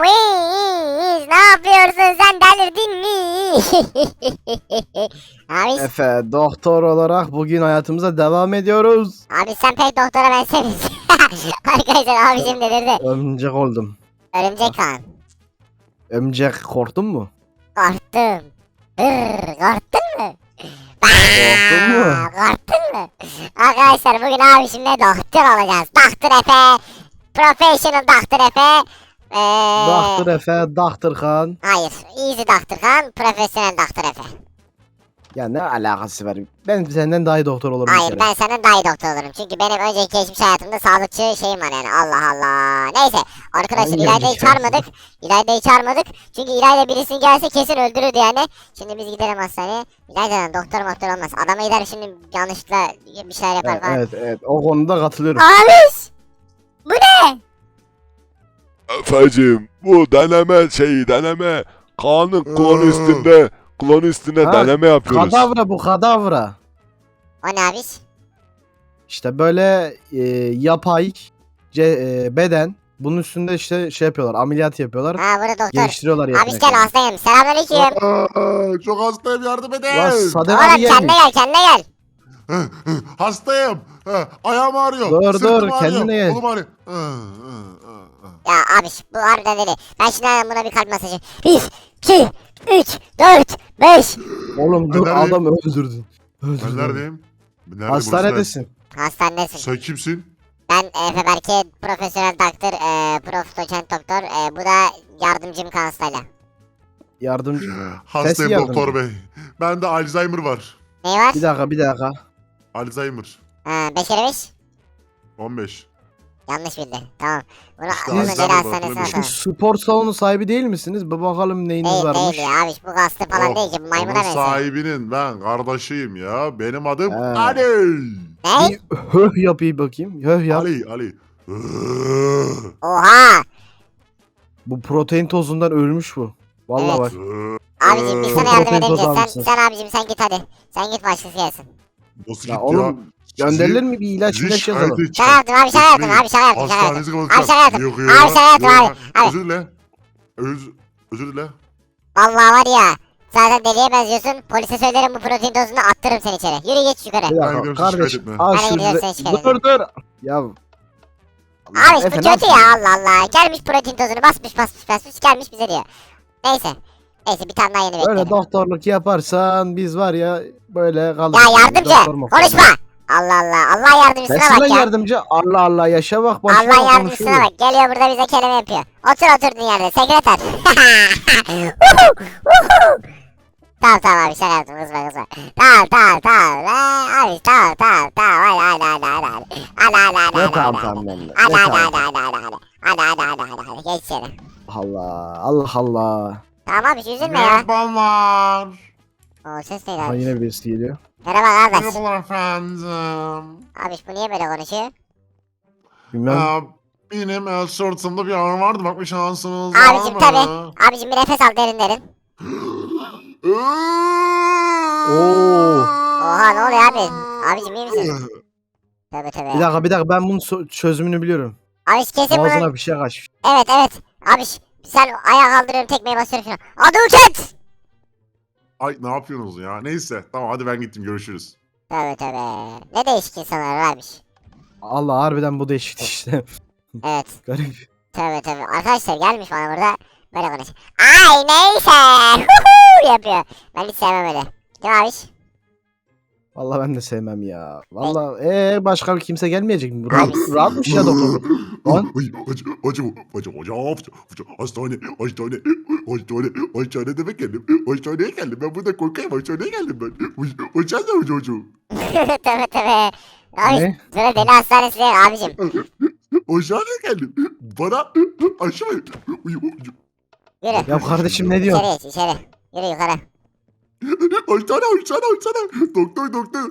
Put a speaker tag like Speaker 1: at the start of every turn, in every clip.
Speaker 1: Wiz, ne yapıyorsun sen, delirdin mi? Abi,
Speaker 2: Efe, doktor olarak bugün hayatımıza devam ediyoruz.
Speaker 1: abi sen pek doktora benzemiyorsun. Arkadaşlar abicim delirdi.
Speaker 2: Örümcek oldum.
Speaker 1: Örümcek kan.
Speaker 2: Örümcek korktun mu?
Speaker 1: Korktum. Korktun mu?
Speaker 2: Korktun mu?
Speaker 1: Korktun mu? Arkadaşlar bugün abişimle doktor olacağız. Doktor Efe. Professional Doktor Efe.
Speaker 2: Doktor Efe, Doktor Kan.
Speaker 1: Hayır. Easy Doktor Kan. Professional Doktor Efe.
Speaker 2: Ya ne alakası var? Ben senden daha iyi doktor olurum bir
Speaker 1: Hayır,
Speaker 2: kere.
Speaker 1: ben senden daha iyi doktor olurum. Çünkü benim önceki geçmiş hayatımda sağlıkçı şeyim var yani. Allah Allah. Neyse. Arkadaşlar
Speaker 2: Hangi
Speaker 1: İlayda'yı
Speaker 2: önceki
Speaker 1: çağırmadık. İlayda'yı çağırmadık. Çünkü İlayda birisini gelse kesin öldürürdü yani. Şimdi biz gidelim hastaneye. İlayda'dan doktor olmaz. Adama gider şimdi yanlışlıkla bir şeyler yapar falan.
Speaker 2: Evet, o konuda katılıyorum.
Speaker 1: Abiş! Bu ne?
Speaker 3: Efecim bu deneme Kaan'ın klon üstünde
Speaker 2: Ha,
Speaker 3: deneme yapıyoruz.
Speaker 2: Kadavra bu, kadavra.
Speaker 1: O ne abiş?
Speaker 2: İşte böyle yapay beden. Bunun üstünde işte şey yapıyorlar, ameliyat yapıyorlar.
Speaker 1: Ha, burada doktor.
Speaker 2: Geliştiriyorlar
Speaker 1: Abiş gel,
Speaker 2: yeteneklerini.
Speaker 1: hastayım. Selamünaleyküm.
Speaker 4: Çok hastayım, yardım edin.
Speaker 2: Ulan Sadem
Speaker 1: Oğlum
Speaker 2: abi
Speaker 1: kendine
Speaker 2: gelmiş.
Speaker 1: gel, kendine gel.
Speaker 4: Hastayım. Ayağım ağrıyor.
Speaker 2: Dur,
Speaker 4: Sırtım
Speaker 2: dur,
Speaker 4: ağrıyor.
Speaker 2: kendine gel.
Speaker 4: Kolum ağrıyor.
Speaker 1: Ya abiş bu harbiden deli. Ben şimdi hemen buna bir kalp masajı. 1, 2, 3, 4, 5.
Speaker 2: Oğlum dur,
Speaker 4: Ben neredeyim?
Speaker 2: adam öldürdün.
Speaker 4: Ben
Speaker 2: Öldürdün.
Speaker 4: neredeyim? Nerede,
Speaker 2: Hastanedesin.
Speaker 1: Hastanedesin.
Speaker 4: Sen kimsin?
Speaker 1: Ben Efe Berke, profesyonel doktor, prof doçent doktor. Bu da yardımcım hastayla.
Speaker 2: Yardımcı.
Speaker 4: Hastayım
Speaker 2: yardımcı.
Speaker 4: doktor bey. Bende Alzheimer var.
Speaker 1: Ne var?
Speaker 2: Bir dakika.
Speaker 4: Alzheimer.
Speaker 1: 5 kere 5.
Speaker 4: 15.
Speaker 1: Yanlış bildi. Tamam. Bunu,
Speaker 4: İşte
Speaker 1: bunu
Speaker 4: Alzheimer
Speaker 1: deli
Speaker 4: var,
Speaker 1: hastanesine
Speaker 4: hatırlamış.
Speaker 1: atalım.
Speaker 2: Spor salonu sahibi değil misiniz? Bir bakalım neyiniz
Speaker 1: Değil
Speaker 2: varmış.
Speaker 1: değil ya abiş, bu hasta falan değil ki, bu maymuna
Speaker 4: Onun
Speaker 1: benziyor.
Speaker 4: sahibinin ben kardeşiyim ya. Benim adım
Speaker 2: He.
Speaker 4: Ali.
Speaker 1: Ne?
Speaker 2: Bir höh yapayım bakayım. Höh yap.
Speaker 4: Ali.
Speaker 1: Oha!
Speaker 2: Bu protein tozundan ölmüş bu. Vallahi
Speaker 1: Evet.
Speaker 2: bak.
Speaker 1: Abicim biz
Speaker 4: Çok
Speaker 1: sana yardım
Speaker 2: protein tozu
Speaker 1: edemeyeceğiz.
Speaker 2: almışsın.
Speaker 1: Sen abicim sen git hadi. Sen git, başkası gelsin.
Speaker 4: Nasıl
Speaker 2: Ya
Speaker 4: gitti
Speaker 2: oğlum gönderilir mi bir ilaç
Speaker 4: Sizi
Speaker 2: ilaç
Speaker 4: şikayet
Speaker 2: yazalım.
Speaker 4: edeceğim.
Speaker 1: Şaka yaptım abi, şaka yaptım abi, şaka yaptım, şaka yaptım.
Speaker 4: Hastanenizi
Speaker 1: Abi
Speaker 4: kapatacağım.
Speaker 1: şaka yaptım.
Speaker 4: Yok ya.
Speaker 1: Abi şaka yaptım
Speaker 4: Yok
Speaker 1: abi.
Speaker 4: ya.
Speaker 1: Abi.
Speaker 4: Özür dile. Özür dile.
Speaker 1: Vallahi var ya. Zaten deliye benziyorsun. Polise söylerim bu protein tozunu, attırırım seni içeri. Yürü geç yukarı.
Speaker 2: Bir
Speaker 4: Ben
Speaker 2: dakika
Speaker 4: gidiyorum,
Speaker 2: kardeşim.
Speaker 4: şikayet etme.
Speaker 2: Al
Speaker 1: Ben
Speaker 2: şu
Speaker 1: gidiyorum, sen şikayet
Speaker 2: dur. Ya.
Speaker 1: Abi bu
Speaker 2: Efe, ne
Speaker 1: kötü
Speaker 2: yapıyorsun?
Speaker 1: ya, Allah Allah. Gelmiş protein tozunu basmış gelmiş bize diyor. Neyse. Neyse bir tane daha yeni
Speaker 2: Böyle
Speaker 1: bekleyelim.
Speaker 2: doktorluk yaparsan biz var ya böyle kalırız.
Speaker 1: Ya yardımcı
Speaker 2: Doktor mu?
Speaker 1: konuşma. Allah Allah. Allah yardımcısına
Speaker 2: Sensin lan
Speaker 1: bak ya.
Speaker 2: yardımcı. Allah Allah yaşa bak. başına
Speaker 1: Allah yardımcısına
Speaker 2: konuşuyor.
Speaker 1: bak. Geliyor burada bize kelime yapıyor. Oturdun yerde. Sekreter. Tamam abi, şaka yaptım, kızma. Tamam. Abi tamam.
Speaker 2: Ne tamam ben de.
Speaker 1: Hadi geç içeri.
Speaker 2: Allah.
Speaker 1: Tamam abi, üzülme ya.
Speaker 4: Merhabalar.
Speaker 1: O ses neydi
Speaker 2: Ha
Speaker 1: abi?
Speaker 2: yine birisi geliyor.
Speaker 1: Merhaba kardeş.
Speaker 4: Merhabalar efendim.
Speaker 1: Abi bu niye böyle konuşuyor?
Speaker 2: Bilmem.
Speaker 4: Benim sırtımda bir ağrı vardı. Bak bir şansınız var
Speaker 1: Abicim
Speaker 4: mı?
Speaker 1: tabi. Abicim bir nefes al derin.
Speaker 2: Oo.
Speaker 1: Oha, ne oluyor abi? Abicim iyi misin? Tabi.
Speaker 2: Bir dakika ben bunun çözümünü biliyorum.
Speaker 1: Abi kesin bunun.
Speaker 2: Ağzına bir şey kaçmış.
Speaker 1: Evet. Abi sen ayağa kaldırıyorum, tekmeyi basıyorum şuna. Aduket!
Speaker 4: Ay ne yapıyorsunuz ya? Neyse tamam hadi ben gittim, görüşürüz.
Speaker 1: Tabi. Ne değişik insanlar varmış.
Speaker 2: Allah harbiden bu değişikti işte.
Speaker 1: Evet.
Speaker 2: Garip.
Speaker 1: Tabi. Arkadaşlar gelmiş bana burada. Böyle konuş. Ay neyse. Huhu yapıyor. Ben hiç sevmem öyle. Değil mi abiş?
Speaker 2: Vallahi ben de sevmem ya. Vallahi başka bir kimse gelmeyecek mi?
Speaker 1: Abi.
Speaker 2: Rahatmış ya doktor. Lan.
Speaker 4: Hastane demek geldim. Hastaneye geldim. Ben burada korkayım. Hastaneye geldim ben. Hocam çocuğum.
Speaker 1: Tabi. Abi
Speaker 2: Ne?
Speaker 1: böyle deli hastanesi değil abicim.
Speaker 4: Hastaneye geldim. Bana aşı ver.
Speaker 1: Yürü.
Speaker 2: Ya kardeşim ne diyorsun?
Speaker 1: İçeri geç, içeri. Yürü yukarı.
Speaker 4: Hastane. Doktor.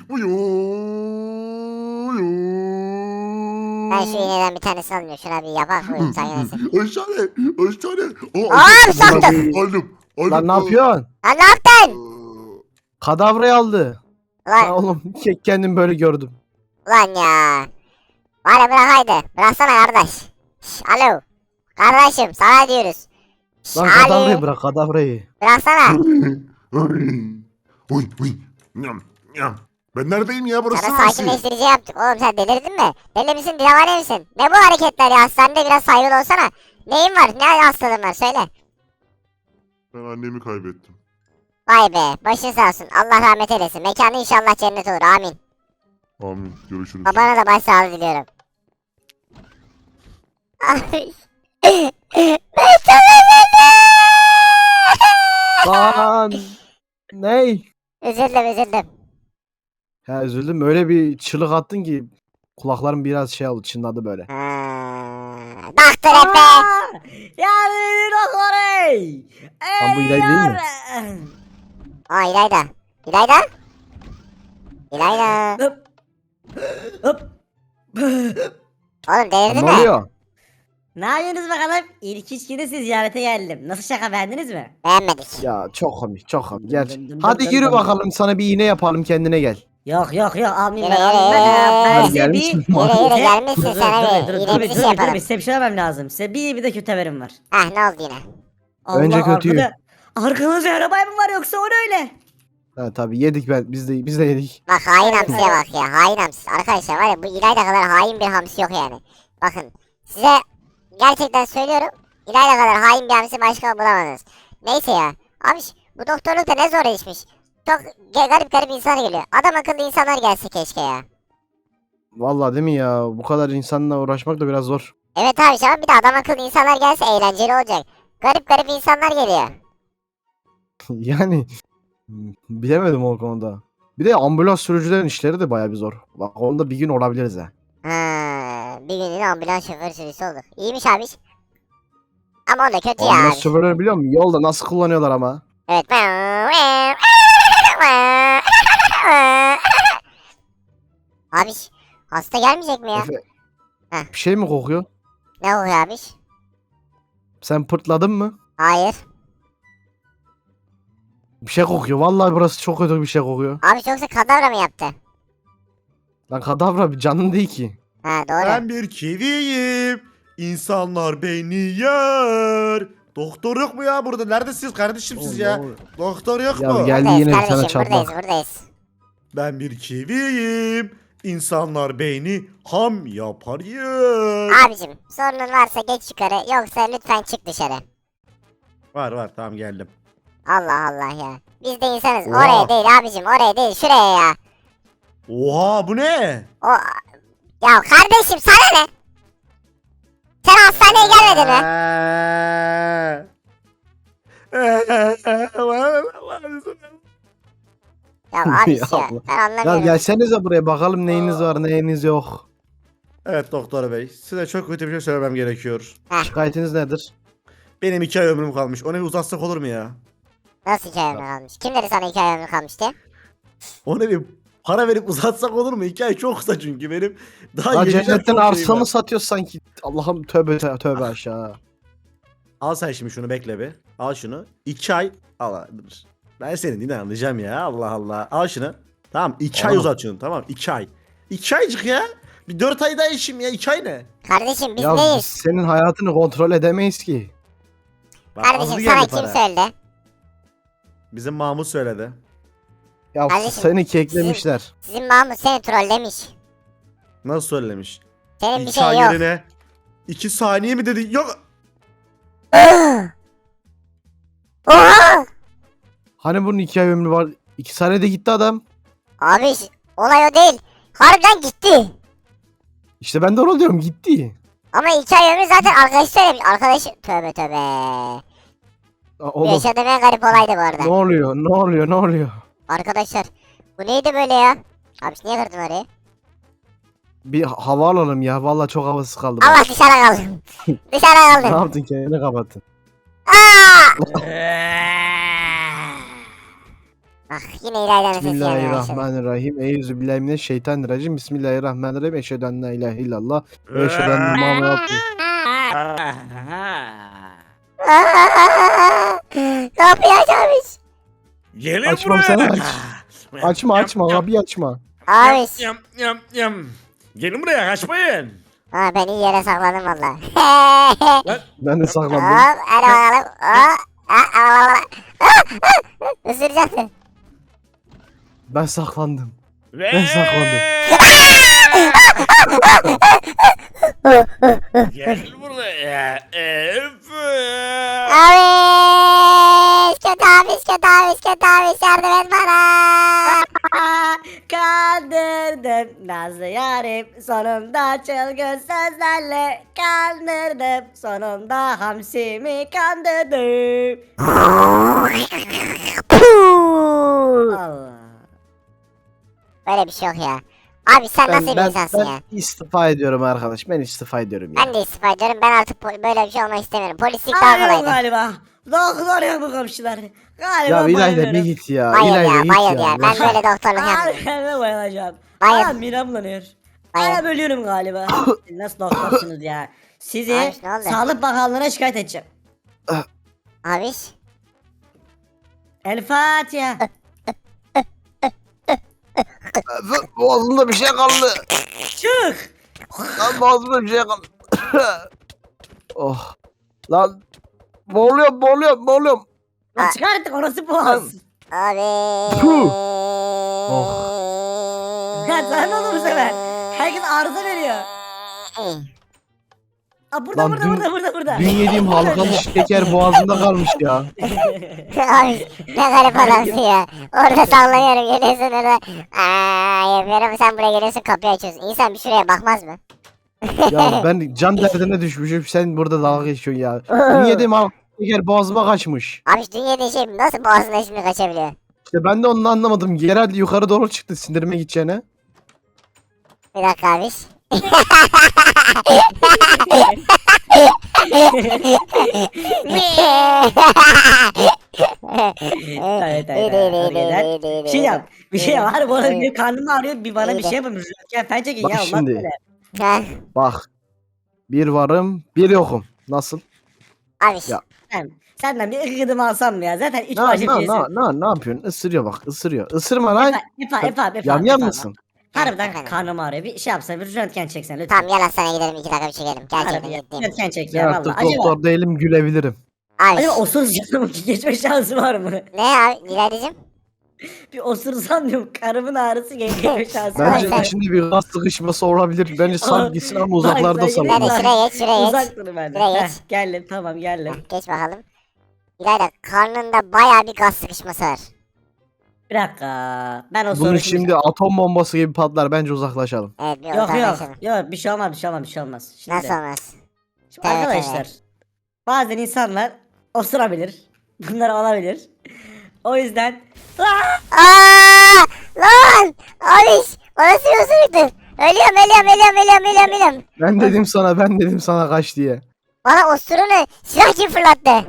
Speaker 1: Ben şu iğneden bir tanesini alayım. Şuna bir yapak koyayım sanki.
Speaker 4: Hastane.
Speaker 1: Aa, sattım.
Speaker 4: Aldım.
Speaker 2: Lan ne yapıyorsun?
Speaker 1: Lan ne yaptın?
Speaker 2: Kadavrayı aldı.
Speaker 1: Ulan,
Speaker 2: Ha oğlum kendim böyle gördüm.
Speaker 1: ulan ya. Bari bırak haydi. Bıraksana kardeş. Şş, alo. Kardeşim sana diyoruz.
Speaker 2: Lan
Speaker 1: Ali,
Speaker 2: kadavrayı bırak kadavrayı.
Speaker 1: bıraksana.
Speaker 4: Oy oy. Nyam nyam. Ben neredeyim ya, burası
Speaker 1: Sana
Speaker 4: neresi?
Speaker 1: sakinleştirici yaptık. Oğlum sen delirdin mi? Deli misin, divane misin? Ne bu hareketler ya? Hastanede biraz saygılı olsana. Neyin var? Ne hastalığın var? Söyle.
Speaker 4: Ben annemi kaybettim.
Speaker 1: Vay be. Başın sağ olsun. Allah rahmet eylesin. Mekanı inşallah cennet olur. Amin.
Speaker 4: Amin. Görüşürüz.
Speaker 1: Babana da başsağlığı diliyorum. Ay. Ben çok
Speaker 2: Lan. Ney?
Speaker 1: üzüldüm.
Speaker 2: Ya üzüldüm, öyle bir çığlık attın ki kulaklarım biraz şey oldu, çınladı böyle.
Speaker 1: Doktor Efe.
Speaker 5: Yani doktor ey.
Speaker 2: Lan bu İlayda değil mi?
Speaker 1: Aa İlayda. İlayda? İlayda.
Speaker 5: Hop. Hop.
Speaker 1: Oğlum
Speaker 2: Lan
Speaker 1: delirdin
Speaker 2: ne
Speaker 1: mi?
Speaker 2: oluyor?
Speaker 5: Ne yapıyorsunuz bakalım? İlk üç günü siz ziyarete geldim. Nasıl şaka, beğendiniz mi?
Speaker 1: Beğenmedik.
Speaker 2: Ya çok komik, çok komik.
Speaker 5: Dım dım
Speaker 2: Gerçi.
Speaker 5: dım
Speaker 2: Hadi
Speaker 5: dım
Speaker 2: yürü
Speaker 5: dım.
Speaker 2: bakalım, sana bir iğne yapalım, kendine gel.
Speaker 5: Yok almayayım
Speaker 1: Yere,
Speaker 5: ben, almayayım ben.
Speaker 1: yere.
Speaker 5: Ben
Speaker 2: Hadi
Speaker 5: size
Speaker 2: gelmişsin.
Speaker 5: bir...
Speaker 1: Yere gelmişsin
Speaker 5: Dur,
Speaker 1: sana
Speaker 5: dur,
Speaker 1: bir.
Speaker 5: dur,
Speaker 1: İğne bir şey yapalım.
Speaker 5: Size bir şey vermem lazım. Size bir de kötü haberim var.
Speaker 1: Hah ne oldu yine?
Speaker 2: Önce kötüyü.
Speaker 5: Arkanızda arabay mı var yoksa o ne öyle?
Speaker 2: Ha tabii yedik, biz de yedik.
Speaker 1: Bak hain hamsiye bak ya. Hain hamsi. Arkadaşlar var ya, bu İlayda kadar hain bir hamsi yok yani. Bakın size gerçekten söylüyorum. İlayda kadar hain bir hamsi başka bulamadınız. Neyse ya. Abi bu doktorluk da ne zor işmiş. Çok garip insanlar geliyor. Adam akıllı insanlar gelse keşke ya.
Speaker 2: Vallahi değil mi ya? Bu kadar insanla uğraşmak da biraz zor.
Speaker 1: Evet abi ama bir de adam akıllı insanlar gelse eğlenceli olacak. Garip insanlar geliyor.
Speaker 2: Yani bilemedim o konuda. Bir de ambulans sürücülerin işleri de bayağı bir zor. Bak onda bir gün olabiliriz ha.
Speaker 1: Ha, bir günün ambulans şoförü sürüsü olur. İyiymiş abi. Ama o da kötü ya.
Speaker 2: Ambulans şoförleri biliyor musun? Yolda nasıl kullanıyorlar ama.
Speaker 1: Evet. Abi hasta gelmeyecek mi ya?
Speaker 2: Efe,
Speaker 1: Heh.
Speaker 2: bir şey mi kokuyor?
Speaker 1: Ne oluyor abi?
Speaker 2: Sen pırtladın mı?
Speaker 1: Hayır.
Speaker 2: Bir şey kokuyor. Vallahi burası çok kötü bir şey kokuyor.
Speaker 1: Abi yoksa kadavra mı yaptı?
Speaker 2: Lan kadavra bir canın değil ki.
Speaker 1: Ha doğru.
Speaker 6: Ben bir kiviyim. İnsanlar beni yer. Doktor yok mu ya burada? Neredesiniz kardeşim siz ya? Doktor yok
Speaker 2: Ya
Speaker 6: mu?
Speaker 2: geldi
Speaker 1: Buradayız
Speaker 2: yine bir tane
Speaker 1: kardeşim,
Speaker 2: çatlak.
Speaker 1: buradayız.
Speaker 6: Ben bir kiviyim. İnsanlar beni ham yapar yer.
Speaker 1: Abicim sorunun varsa geç yukarı, yoksa lütfen çık dışarı.
Speaker 6: Var tamam geldim.
Speaker 1: Allah Allah ya. Biz de insanız.
Speaker 6: Oha.
Speaker 1: Oraya değil abicim, oraya değil, şuraya ya.
Speaker 6: Oha bu ne?
Speaker 1: O ya kardeşim sana ne? Sen hastaneye gelmedin mi? Ya abi
Speaker 2: Ya
Speaker 1: ya,
Speaker 2: Allah.
Speaker 1: ben
Speaker 2: Ya
Speaker 1: anlamıyorum.
Speaker 2: gelsenize buraya bakalım neyiniz var neyiniz yok.
Speaker 6: Evet doktor bey, size çok kötü bir şey söylemem gerekiyor.
Speaker 2: Şikayetiniz nedir?
Speaker 6: Benim 2 ay ömrüm kalmış. Onu bir uzatsak olur mu ya?
Speaker 1: Nasıl 2 ay ömrü kalmış? Kim dedi sana 2 ay ömrü kalmıştı?
Speaker 6: Onu bir para verip uzatsak olur mu? 2 ay çok kısa çünkü benim daha
Speaker 2: Ya
Speaker 6: yiyecek
Speaker 2: cennetten
Speaker 6: çok şeyim
Speaker 2: arsa
Speaker 6: var.
Speaker 2: mı satıyorsun sanki? Allah'ım tövbe aşağı.
Speaker 6: Al sen şimdi şunu, bekle bir. Al şunu. 2 ay. Al dur. Ben senin yine anlayacağım ya. Allah Allah. Al şunu. Tamam 2 ay
Speaker 2: Oğlum.
Speaker 6: uzat şunu. Tamam 2 ay. 2 aycık ya. Bir 4 ay daha işim ya. 2 ay ne?
Speaker 1: Kardeşim biz
Speaker 2: Ya biz
Speaker 1: neyiz?
Speaker 2: senin hayatını kontrol edemeyiz ki.
Speaker 6: Bak, azlı
Speaker 1: Kardeşim
Speaker 6: geldi
Speaker 1: sana kim
Speaker 6: para.
Speaker 1: söyledi?
Speaker 6: Bizim Mahmut söyledi.
Speaker 2: Ya
Speaker 1: Kardeşim,
Speaker 2: seni keklemişler.
Speaker 1: Sizin Mahmut seni trollemiş.
Speaker 6: Nasıl söylemiş?
Speaker 1: Senin bir
Speaker 6: 2
Speaker 1: şey
Speaker 6: ay
Speaker 1: yok.
Speaker 6: yerine 2 saniye mi dedi? Yok.
Speaker 1: Oha!
Speaker 2: Hani bunun 2 ay ömrü var. 2 saniyede gitti adam.
Speaker 1: Abi olay o değil. Harbiden gitti.
Speaker 2: İşte ben de onu diyorum, gitti.
Speaker 1: Ama 2 ay ömrü zaten arkadaşı söylemiş. Arkadaşı tövbe.
Speaker 2: Aa,
Speaker 1: Bu
Speaker 2: oğlum
Speaker 1: yaşadığım en garip olaydı bu
Speaker 2: ne
Speaker 1: arada.
Speaker 2: oluyor?
Speaker 1: Arkadaşlar bu neydi böyle ya? Abi niye kırdın orayı?
Speaker 2: Bir hava alalım ya. Vallahi çok havasız kaldı.
Speaker 1: Allah dışarı kaldım. Dışarı
Speaker 2: Ne
Speaker 1: kaldım.
Speaker 2: yaptın, kendini kapattın.
Speaker 1: Aa! Ah yine İlayda'nın sesi gelmeye başladı.
Speaker 2: Bismillahirrahmanirrahim. Eyyüzübillahimineşşeytanirracim. Bismillahirrahmanirrahim. Eşhedü en la ilahe illallah. Ve eşhedü enne Muhammeden abdühü.
Speaker 1: Kapıyı açarmış.
Speaker 6: Gelin
Speaker 2: Açmam, sen aç. Açma kapıyı açma.
Speaker 1: Abi
Speaker 6: Yam. Gelin buraya, kaçmayın.
Speaker 1: Ha ben iyi yere sakladım valla.
Speaker 2: Ben de saklandım.
Speaker 1: Hop hadi bakalım. Isıracaksın.
Speaker 2: Ben saklandım. Ben saklandım.
Speaker 7: Gel buraya.
Speaker 1: Abiş kötü abiş kötü abiş kötü abiş yardım et bana.
Speaker 5: Kandırdım nazlı yarim sonunda çılgın sözlerle kandırdım sonunda hamsimi kandırdım. Allah.
Speaker 1: Böyle bir şey yok ya. Abi sen nasıl bir insansın ya?
Speaker 2: Ben istifa ediyorum arkadaş. Ben istifa ediyorum ya.
Speaker 1: Ben de istifa ediyorum. Ben artık böyle bir şey olmak istemiyorum. Polislik daha
Speaker 5: Arıyorum
Speaker 1: kolaydı.
Speaker 5: galiba. Doktor ya bu komşular. Galiba
Speaker 2: Ya İlayda bir
Speaker 5: bayılıyorum.
Speaker 2: git ya.
Speaker 1: Bayıl
Speaker 2: İlayda
Speaker 1: ya
Speaker 2: git
Speaker 1: bayıl ya. Ben
Speaker 2: ya.
Speaker 1: böyle doktorluk yapmıyorum.
Speaker 5: Kendime bayılacağım.
Speaker 1: Bayıl.
Speaker 5: Aa midem bulanıyor.
Speaker 1: Bayıl.
Speaker 5: Aa bölüyorum galiba. Siz nasıl doktorsunuz ya? Sizi
Speaker 1: Abi, ne oldu?
Speaker 5: Sağlık Bakanlığı'na şikayet edeceğim.
Speaker 1: Abiş.
Speaker 5: El Fatiha.
Speaker 2: Boğazımda bir şey kaldı.
Speaker 5: Çık.
Speaker 2: Lan boğazımda bir şey kaldı. Oh. Lan boğuluyorum.
Speaker 5: Lan çıkar artık orası boğaz.
Speaker 1: Abi.
Speaker 2: Puh.
Speaker 5: Ya sana ne oldu bu sefer? Herkes arıza veriyor. Aa burada
Speaker 2: Lan
Speaker 5: burada.
Speaker 2: Dün yediğim halkalı şeker boğazımda kalmış ya.
Speaker 1: Abi ne garip adamsın ya. Orada sallanıyorum geliyorsun orada. Yapıyorum sen buraya geliyorsun kapıyı açıyorsun. İnsan bir şuraya bakmaz mı?
Speaker 2: Ya ben can derdine düşmüşüm. Sen burada dalga geçiyorsun ya. Dün yediğim halkalı şeker boğazıma kaçmış.
Speaker 1: Abi dün yediğin şey nasıl boğazına şimdi kaçabiliyor?
Speaker 2: İşte ben de onu anlamadım. Herhalde yukarı doğru çıktı sindirime gideceğine.
Speaker 1: Bir dakika abiş.
Speaker 5: Evet Bir şey yap. Bir şey yap. Harbi bana bir karnım ağrıyor. Bir bana bir şey yapın. Rüzgar fen çekin
Speaker 2: Bak
Speaker 5: ya. Allah
Speaker 2: şimdi.
Speaker 5: böyle.
Speaker 1: Ha,
Speaker 2: Bak. Bir varım, bir yokum. Nasıl?
Speaker 1: abiş.
Speaker 2: Ya.
Speaker 5: Senden bir ıkıdım alsam mı ya? Zaten üç
Speaker 2: Ne
Speaker 5: başım şeysin.
Speaker 2: ne yapıyorsun? Isırıyor bak, ısırıyor. Isırma lan.
Speaker 5: Epa.
Speaker 2: Yamyam mısın?
Speaker 5: Harbiden
Speaker 1: Efendim?
Speaker 5: karnım ağrıyor. Bir şey yapsan bir röntgen çeksen lütfen.
Speaker 1: Tamam gel hastaneye gidelim 2 dakika bir çekelim. Gerçekten
Speaker 5: Harbi
Speaker 1: ciddiyim.
Speaker 5: röntgen çek
Speaker 2: Ben
Speaker 5: ya valla.
Speaker 2: artık
Speaker 5: Acaba,
Speaker 2: doktor değilim, gülebilirim.
Speaker 1: Abiş.
Speaker 5: acaba osursam geçme şansı var mı?
Speaker 1: Ne abi İlaydacığım?
Speaker 5: Bir osursam diyorum karımın ağrısı geçme şansı var
Speaker 2: Bence
Speaker 5: mı?
Speaker 2: içinde bir gaz sıkışması olabilir. Bence sal gitsin ama uzaklarda
Speaker 5: Bak,
Speaker 2: sal.
Speaker 1: Hadi
Speaker 5: Uzak-
Speaker 1: şuraya geç şuraya geç.
Speaker 5: Uzak durun benden.
Speaker 1: Şuraya
Speaker 5: Heh,
Speaker 1: geç.
Speaker 5: geldim tamam geldim.
Speaker 1: Geç bakalım. İlayda karnında bayağı bir gaz sıkışması var.
Speaker 5: Bir dakika. Ben o
Speaker 2: Bunu
Speaker 5: soru
Speaker 2: şimdi atom bombası gibi patlar. Bence uzaklaşalım.
Speaker 1: Evet bir
Speaker 5: Yok yok.
Speaker 1: uzaklaşalım.
Speaker 5: Yok bir şey olmaz. Şimdi,
Speaker 1: Nasıl olmaz?
Speaker 5: şimdi
Speaker 1: Evet,
Speaker 5: arkadaşlar. Bazen insanlar osurabilir. Bunlar olabilir. O yüzden
Speaker 1: Aaa! Lan! Abiş! Orası yosunluktu. Ölüyorum.
Speaker 2: Ben dedim sana kaç diye.
Speaker 1: Bana osurunu silah kim fırlattı?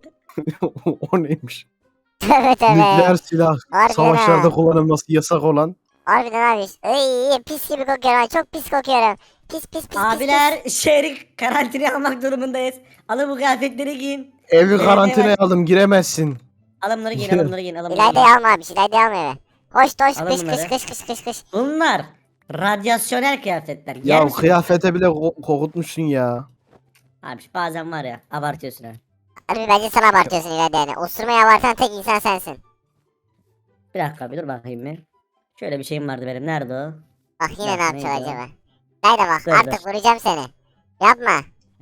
Speaker 2: O neymiş?
Speaker 1: Tövbe tövbe.
Speaker 2: Nükleer silah.
Speaker 1: Harbiden
Speaker 2: Savaşlarda
Speaker 1: ha.
Speaker 2: kullanılması yasak olan.
Speaker 1: Harbiden abiş. Iy, pis gibi kokuyorum. Çok pis kokuyorum. Pis.
Speaker 5: abiler şehri karantinaya almak durumundayız. Alın bu kıyafetleri giyin.
Speaker 2: Evi
Speaker 5: Evet,
Speaker 2: karantinaya
Speaker 5: evet.
Speaker 2: aldım, giremezsin.
Speaker 5: Alın bunları giyin.
Speaker 1: İlayda'yı alma abiş. İlayda'yı alma eve. Hoş
Speaker 5: Alın bunları.
Speaker 1: kış.
Speaker 5: Bunlar radyasyonel kıyafetler. Yer
Speaker 2: Ya
Speaker 5: misin?
Speaker 2: kıyafete bile kokutmuşsun ya.
Speaker 5: Abi bazen var ya abartıyorsun ha.
Speaker 1: Harbi bence sen abartıyorsun İlayda yani. Osurmayı abartan tek insan sensin.
Speaker 5: Bir dakika bir dur bakayım bir. Şöyle bir şeyim vardı benim. Nerede o?
Speaker 1: Bak yine
Speaker 5: Bak,
Speaker 1: ne yapacak
Speaker 5: neydi o?
Speaker 1: acaba? İlayda bak
Speaker 5: Dur,
Speaker 1: artık
Speaker 5: dur.
Speaker 1: vuracağım seni. Yapma.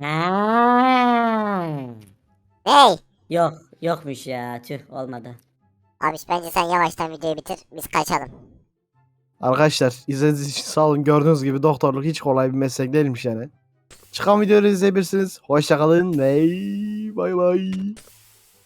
Speaker 5: Ha.
Speaker 1: Ney?
Speaker 5: Yok yokmuş ya tüh olmadı.
Speaker 1: Abiş bence sen yavaştan videoyu bitir. Biz kaçalım.
Speaker 2: Arkadaşlar izlediğiniz için sağ olun. Gördüğünüz gibi doktorluk hiç kolay bir meslek değilmiş yani. Çıkan videoları izleyebilirsiniz. Hoşçakalın ve bay bay.